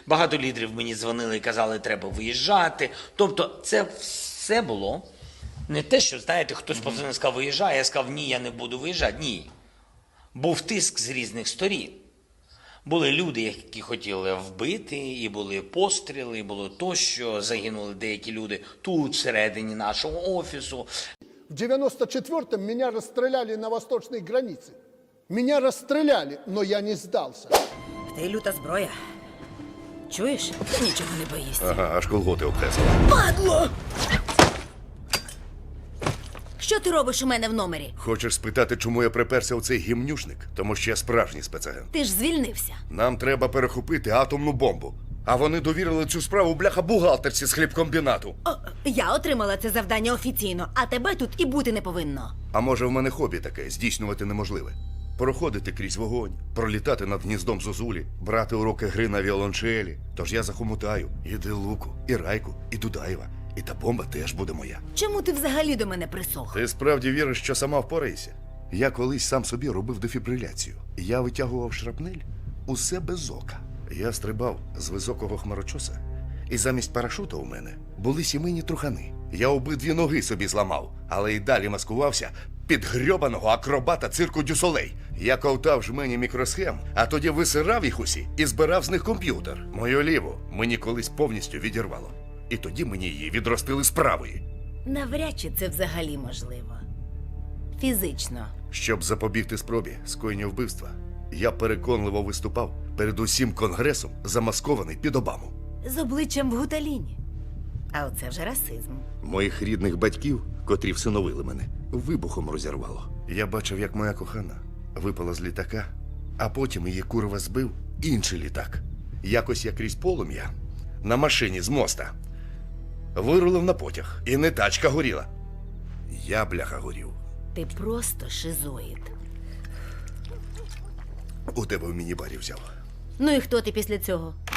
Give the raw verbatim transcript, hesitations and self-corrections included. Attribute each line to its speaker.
Speaker 1: Багато лідерів мені дзвонили і казали, треба виїжджати. Тобто це все було не те, що, знаєте, хтось позвонив і сказав, виїжджай, я сказав, ні, я не буду виїжджати. Ні. Був тиск з різних сторін. Були люди, які хотіли вбити, і були постріли, і було тощо, загинули деякі люди тут, всередині нашого офісу.
Speaker 2: В девяносто четвёртом меня расстреляли на восточной границе. Меня расстреляли, но я не сдался.
Speaker 3: Ти люта зброя. Чуєш? Нічого не боїшся.
Speaker 4: Ага, аж колготи обтесала.
Speaker 3: Падло! Що ти робиш у мене в номері?
Speaker 4: Хочеш спитати, чому я приперся у цей гімнюшник? Тому що я справжній спецагент.
Speaker 3: Ти ж звільнився.
Speaker 4: Нам треба перехопити атомну бомбу. А вони довірили цю справу бляха-бухгалтерці з хлібкомбінату.
Speaker 3: О, я отримала це завдання офіційно, а тебе тут і бути не повинно.
Speaker 4: А може в мене хобі таке, здійснювати неможливе. Проходити крізь вогонь, пролітати над гніздом зозулі, брати уроки гри на віолончелі. Тож я захомутаю і Делуку, і Райку, і Дудаєва. І та бомба теж буде моя.
Speaker 3: Чому ти взагалі до мене присох?
Speaker 4: Ти справді віриш, що сама впораєшся? Я колись сам собі робив дефібриляцію. Я витягував шрапнель усе без ока. Я стрибав з високого хмарочоса, і замість парашута у мене були сімейні трухани. Я обидві ноги собі зламав, але й далі маскувався під грьобаного акробата цирку Дюсолей. Я ковтав жмені мікросхем, а тоді висирав їх усі і збирав з них комп'ютер. Мою ліву мені колись повністю відірвало. І тоді мені її відростили з правої.
Speaker 3: Навряд чи це взагалі можливо. Фізично.
Speaker 4: Щоб запобігти спробі скоєння вбивства, я переконливо виступав перед усім конгресом, замаскований під Обаму.
Speaker 3: З обличчям в гуталіні. А оце вже расизм.
Speaker 4: Моїх рідних батьків, котрі всиновили мене, вибухом розірвало. Я бачив, як моя кохана випала з літака, а потім її курва збив інший літак. Якось я крізь полум'я на машині з моста вирулив на потяг, і не тачка горіла. Я, бляха, горів.
Speaker 3: Ти просто шизоїд.
Speaker 4: У тебе в міні-барі взяв.
Speaker 3: Ну і хто ти після цього?